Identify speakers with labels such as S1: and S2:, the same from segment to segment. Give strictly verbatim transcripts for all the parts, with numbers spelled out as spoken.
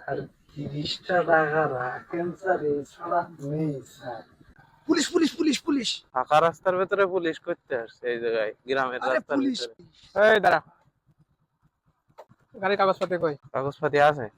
S1: আর তিরিশটা টাকা রাখেন স্যার, এছাড়া নেই sir. Police police police police!
S2: ফাঁকা রাস্তার ভেতরে পুলিশ করতে আসছে এই জায়গায়, গ্রামের
S1: আরে
S2: রাস্তার
S1: পুলিশ!
S2: ভিতরে।
S3: এই দাঁড়া, গাড়ির কাগজপত্র কই?
S2: কাগজপাতি আছে?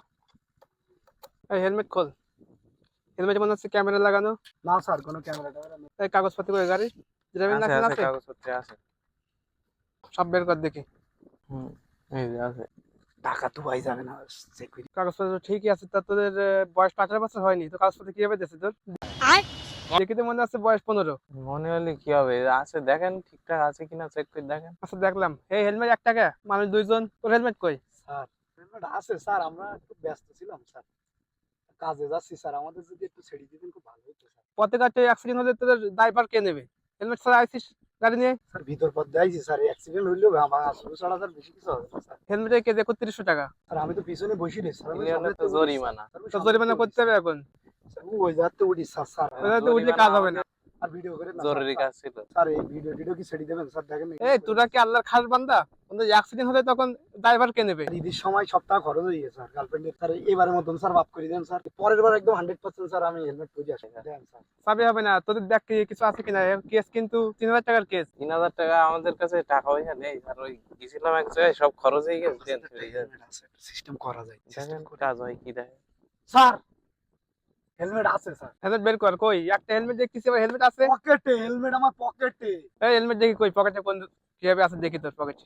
S3: এই হেলমেট খোল। হেলমেট মনে হচ্ছে ক্যামেরা লাগানো।
S1: না স্যার, কোনো ক্যামেরা ট্যামেরা নেই।
S3: এই কাগজপত্র কই গাড়ি? ড্রাইভিং
S2: আছে
S3: লাইসেন্স
S2: আছে
S3: আছে?
S2: কাগজপত্র আছে।
S3: সব বের কর দেখি।
S2: হুম, এই যে আছে।
S1: টাকা তো পাই যাবে না, চেক করি।
S3: কাগজপত্র ঠিকই আছে। তা তোদের আহ, বয়স তো আঠারো বছর হয়নি, তো কাগজপত্র কিভাবে দিচ্ছে তোর? দেখি তো মনে হচ্ছে বয়স পনেরো।
S2: মনে হলে কি হবে, আছে দেখেন ঠিকঠাক আছে কিনা, চেক করে দেখেন।
S3: আচ্ছা দেখলাম। এই হেলমেট এক টাকা, মানুষ দুইজন। তোর হেলমেট কই?
S1: স্যার হেলমেট আছে স্যার, আমরা একটু ব্যস্ত ছিলাম স্যার, কাজে যাচ্ছি স্যার, আমাদের যদি একটু ছেড়ে দিতেন খুব ভালো হতো স্যার।
S3: পথে ঘাটে অ্যাক্সিডেন্ট হলে তোদের দায়ভার কে নেবে? হেলমেট ছাড়া আইসিস গাড়ি নিয়ে?
S1: স্যার ভিতর পথে আইছি স্যার, অ্যাক্সিডেন্ট হইলেও আমার আসলে ছাড়া স্যার বেশি কিছু হবে না স্যার।
S3: হেলমেটের কেজি একত্রিশশো টাকা।
S1: স্যার আমি তো পিছনে বসি রে স্যার, আমি
S2: নিলে
S1: সামনে
S2: তো জরিমানা।
S3: তো জরিমানা করতে হবে এখন।
S1: স্যার ওই যাতে উঠি স্যার। স্যার
S3: ওই জায়গাতে উঠলে কাজ হবে না।
S1: আর ভিডিও করে না
S2: জরুরি কাজ ছিল।
S1: স্যার, এই ভিডিও ভিডিও কি ছেড়ে দেবেন স্যার? দেখেন
S3: এই তোরা কি আল্লাহর খাস বান্দা? অ্যাক্সিডেন্ট হলে তখন দায়ভার কে নেবে?
S1: ঈদের সময় সপ্তাহ খরচ হয়ে গেছে স্যার, গার্লফ্রেন্ডের। স্যার এবারের মতন স্যার মাফ করে দেন স্যার, পরের বার একদম হান্ড্রেড পার্সেন্ট স্যার আমি হেলমেট পরে আসি দেন স্যার।
S3: চাবি হবে না তোদের, দেখ কি কিছু আছে কিনা। কেস কিন্তু তিন হাজার টাকার কেস।
S2: তিন হাজার টাকা আমাদের কাছে টাকা পয়সা নেই স্যার, ওই গেছিলাম এক জায়গায়, সব খরচ হয়ে গেছে।
S1: সিস্টেম করা যায়,
S2: দেখেন কাজ হয় কি দেখেন।
S1: স্যার হেলমেট আছে স্যার,
S3: হেলমেট বের কর। কই একটা হেলমেট দেখতেছি, আবার হেলমেট আছে।
S1: পকেটে হেলমেট, আমার পকেটে।
S3: এই হেলমেট দেখি কই, পকেটে কোন কিভাবে আছে দেখি তোর পকেটে।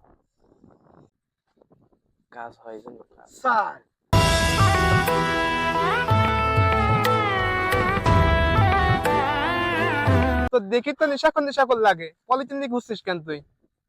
S2: কাজ হয় কিন্তু কাজ।
S1: স্যার
S3: তো দেখি তো নেশাখর নেশাখর লাগে। পলিথিন দিয়ে ঘুরছিস কেন তুই?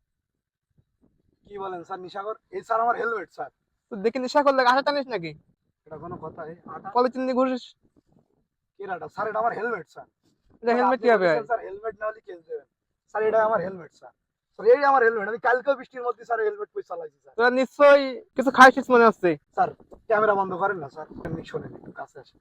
S1: কি বলেন স্যার? নিশাগর এই স্যার আমার হেলমেট স্যার।
S3: তো দেখি নেশাখর লাগে, আশা টানিস নাকি?
S1: এটা কোনো কথা? এই আটা
S3: পলিথিন দিয়ে ঘুরিস?
S1: কেরাটা স্যার, এটা আমার হেলমেট স্যার।
S3: এটা হেলমেট কিভাবে হয়?
S1: স্যার হেলমেট না হলে কেস দেবেন স্যার, এটা আমার হেলমেট স্যার। স্যার এই আমার হেলমেট, আমি কালকে বৃষ্টির মধ্যে স্যার হেলমেট পরে চালাইছি স্যার।
S3: তোরা নিশ্চয়ই কিছু খাইছিস মনে হচ্ছে।
S1: স্যার ক্যামেরা বন্ধ করেন না স্যার, এমনি শোনেন, একটু কাছে আসেন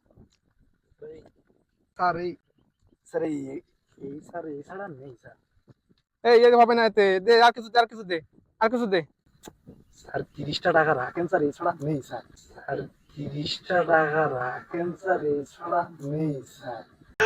S1: স্যার। এই স্যার এই এই স্যার এই ছাড়া নেই স্যার।
S3: এই এই হবে না, এতে দে আর কিছু দে, আর কিছু দে, আর কিছু দে।
S1: স্যার তিরিশটা টাকা রাখেন স্যার, এছাড়া নেই স্যার। স্যার তিরিশটা টাকা রাখেন স্যার, এছাড়া নেই স্যার।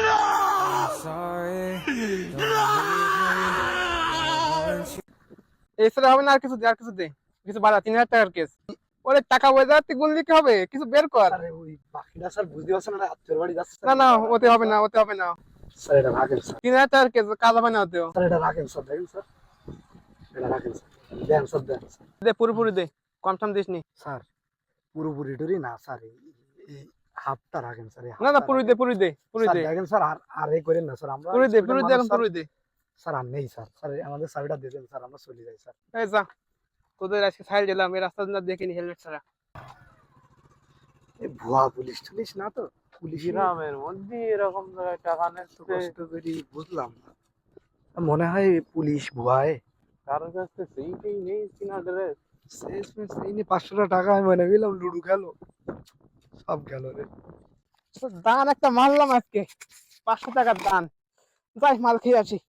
S3: এছাড়া হবে না, আর কিছু দে, আর কিছু দে। কিছু বাড়া, তিন হাজার টাকার কেস। ওরে টাকা বোঝা তুই গুনলি কি হবে? কিছু বের কর।
S1: স্যার ওই বাকিটা স্যার বুঝতে পারছেন না, আত্মীয় বাড়ি যাচ্ছে
S3: না না, ওতে হবে না, ওতে হবে না।
S1: স্যার, এটা রাখেন স্যার।
S3: তিন হাজার টাকার কেস, কাজ হবে না ওতেও।
S1: স্যার এটা রাখেন স্যার, দেখেন স্যার, এটা রাখেন স্যার, দেন স্যার, দেন স্যার।
S3: দে পুরোপুরি দে, কনফার্ম দিস নি।
S1: স্যার পুরোপুরি টুরি না স্যার, এই এই হাফটা রাখেন স্যার, এই
S3: না না,
S1: হাফটা
S3: পুরোই
S1: রাখেন।
S3: দে, পুরোই দে, পুরোই
S1: স্যার
S3: দে,
S1: দেখেন স্যার, আর আর এই করেন না স্যার, আমরা
S3: পুরোই দে,
S1: student
S3: পুরোই দে,
S1: মানুষ
S3: এখন
S1: স্যার।
S3: পুরোই দে।
S1: স্যার আর নেই স্যার, স্যার আমাদের চাবিটা দিয়ে দেন স্যার, আমরা চলে যাই স্যার।
S3: এই যা, তোদের আজকে সাইড দিলাম, এই রাস্তা না দেখিনি হেলমেট ছাড়া।
S1: এই ভুয়া পুলিশ টুলিশ না তো, পুলিশ
S2: গ্রামের মধ্যে এরকম জায়গায় টাকা নিচ্ছে,
S1: কষ্ট করি বুঝলাম না, মনে হয় পুলিশ ভুয়ায়।
S2: কারোর কাছে সেইটাই নেই কিনা ড্রেস।
S1: শেষমেশ এই নিয়ে পাঁচশো টাকা আমি মনে গেলাম লুডু খেলো, সব গেল রে।
S3: দান একটা মারলাম আজকে, পাঁচশো টাকার দান। যাই মাল খেয়ে আসি।